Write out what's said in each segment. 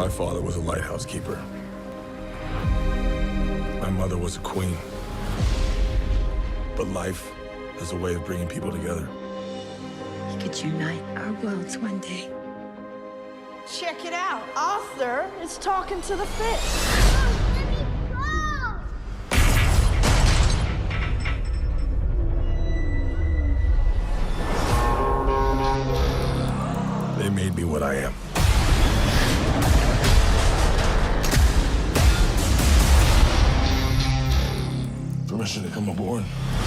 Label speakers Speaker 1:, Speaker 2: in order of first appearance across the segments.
Speaker 1: My father was a lighthouse keeper. My mother was a queen. But life has a way of bringing people together.
Speaker 2: We could unite our worlds one day.
Speaker 3: Check it out. Arthur is talking to the fish.
Speaker 1: They made me what I am. Permission to come aboard.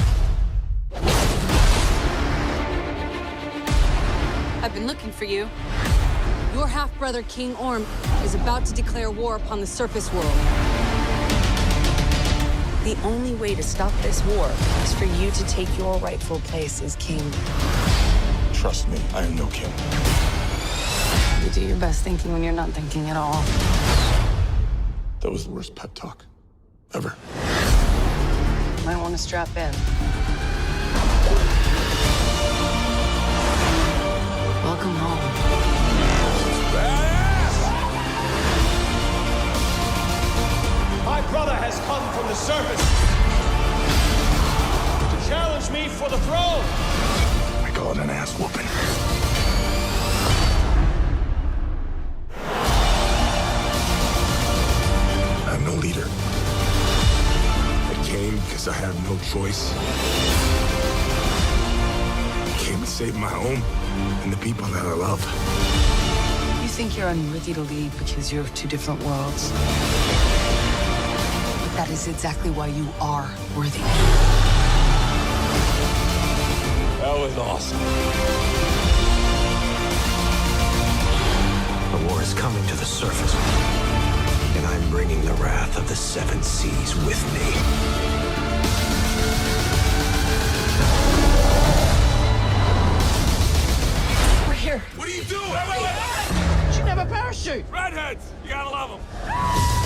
Speaker 4: I've been looking for you. Your half-brother, King Orm, is about to declare war upon the surface world.
Speaker 2: The only way to stop this war is for you to take your rightful place as king.
Speaker 1: Trust me, I am no king.
Speaker 2: You do your best thinking when you're not thinking at all.
Speaker 1: That was the worst pep talk ever.
Speaker 2: Might want to strap in. Welcome home.
Speaker 5: My brother has come from the surface to challenge me for the throne.
Speaker 1: I call it an ass whooping. I'm no leader. I came because I have no choice. I came to save my home and the people that I love.
Speaker 2: You think you're unworthy to lead because you're of two different worlds. But that is exactly why you are worthy.
Speaker 1: That was awesome.
Speaker 6: The war is coming to the surface, and I'm bringing the wrath of the seven seas with me.
Speaker 2: We're here.
Speaker 1: What are you doing?
Speaker 5: You should have a parachute.
Speaker 1: Redheads! You gotta love them.